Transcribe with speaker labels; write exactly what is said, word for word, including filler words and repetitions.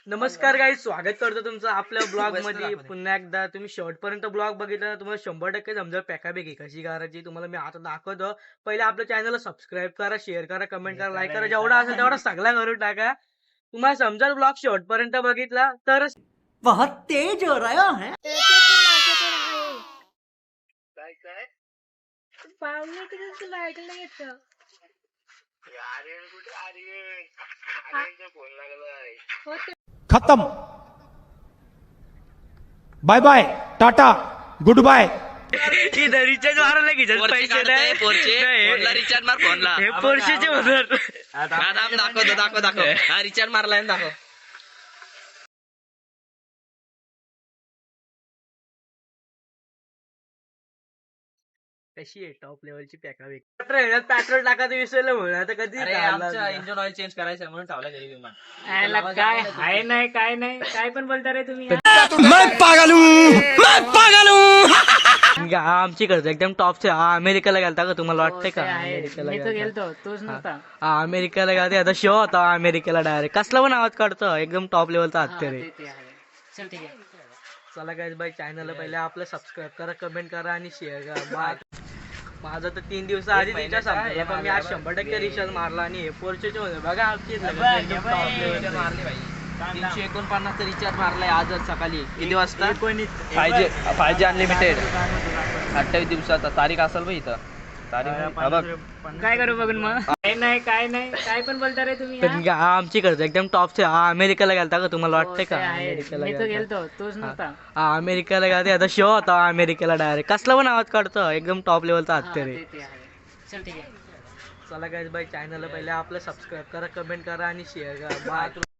Speaker 1: नमस्कार गाईज, स्वागत करतो तुमचं आपल्या ब्लॉग मध्ये पुन्हा एकदा. तुम्ही शेवटपर्यंत ब्लॉग बघितला तर तुम्हाला शंभर टक्के समजा पॅकापैकी कशी करायची तुम्हाला मी आता दाखवतो. पहिले आपल्या चॅनलला सबस्क्राईब करा, शेअर करा, कमेंट करा, लाईक करा, जेवढा असेल तेवढा सगळा करून टाका. तुम्हाला समजा ब्लॉग शेवटपर्यंत बघितला तरच
Speaker 2: बहुत तेज हो रहा है.
Speaker 3: काय काय
Speaker 4: पाहुणे किती तुला ऐकलं येतं.
Speaker 3: आर्यन कुठे आर्यन आर्यनचा फोन लागलाय.
Speaker 4: हो ते
Speaker 5: खत्म. Bye bye, tata, good bye.
Speaker 1: Recharge मारायला घ्यायचे पैसे नाही.
Speaker 6: रिचार्ज मार फोनला.
Speaker 1: हे पोर्शेचे होणार.
Speaker 6: दाखव दाखव दाखव हा रिचार्ज मारलाय ना, दाखव.
Speaker 1: कशी आहे टॉप लेवलची पॅकापैकी. पेट्रोल टाकायचं विसरलं म्हणून आता कधी
Speaker 6: आमचा इंजिन ऑइल चेंज करायचं म्हणून ठेवला घरी विमान.
Speaker 4: आयला काय हाय नाही काय नाही काय पण बोलता रे तुम्ही.
Speaker 5: मैं पागल हूँ, मैं पागल हूँ.
Speaker 1: आमची करतो एकदम टॉपचे. हा अमेरिकेला गेलता का तुम्हाला वाटतंय का? अमेरिकेला
Speaker 4: मी तर
Speaker 1: गेलता.
Speaker 4: गेलतो तोच नव्हता.
Speaker 1: हा अमेरिकेला गेलता. आता शो होता अमेरिकेला डायरेक्ट. कसला पण आवाज काढतो एकदम टॉप लेवलचा हत्या रे.
Speaker 4: ते ते आहे. चल ठीक आहे.
Speaker 1: चला गाईज बाई, चॅनलला पहिले आपलं सबस्क्राईब करा, कमेंट करा आणि शेअर करा. मा- माझं तर तीन दिवस आधी रिचार्ज संपला, पण मी आज शंभर टक्के रिचार्ज मारला आणि हे पोर्चेचे होते बघा आमची एकदम top level चे.
Speaker 6: मारली भाई. तीनशे एकोणपन्नास रिचार्ज मारलाय आजच सकाळी. किती वाजता?
Speaker 1: एकोणीस.
Speaker 6: Five G five G unlimited. अठ्ठावीस दिवसाचा तारीख असेल भाई इथं. तारीख हा बघ.
Speaker 4: काय करू बघून मग. काय नाही काय नाही काय पण बोलता रे तुम्ही.
Speaker 1: पण हा आमची करतो एकदम टॉपचे. हा अमेरिकेला गेलता का तुम्हाला वाटतंय का?
Speaker 4: ते आहे.
Speaker 1: अमेरिकेला
Speaker 4: मी तर
Speaker 1: गेलता.
Speaker 4: गेलतो तोच नव्हता.
Speaker 1: हा अमेरिकेला गेलता. आता शो होता अमेरिकेला डायरेक्ट. कसला पण आवाज काढतो एकदम टॉप लेवलचा
Speaker 4: हा,
Speaker 1: हत्या रे.
Speaker 4: ते ते आहे. चल ठीक आहे.
Speaker 1: चला गाईज बाई, चॅनलला पहिले आपलं सबस्क्राईब करा, कमेंट करा आणि शेअर करा. बाय.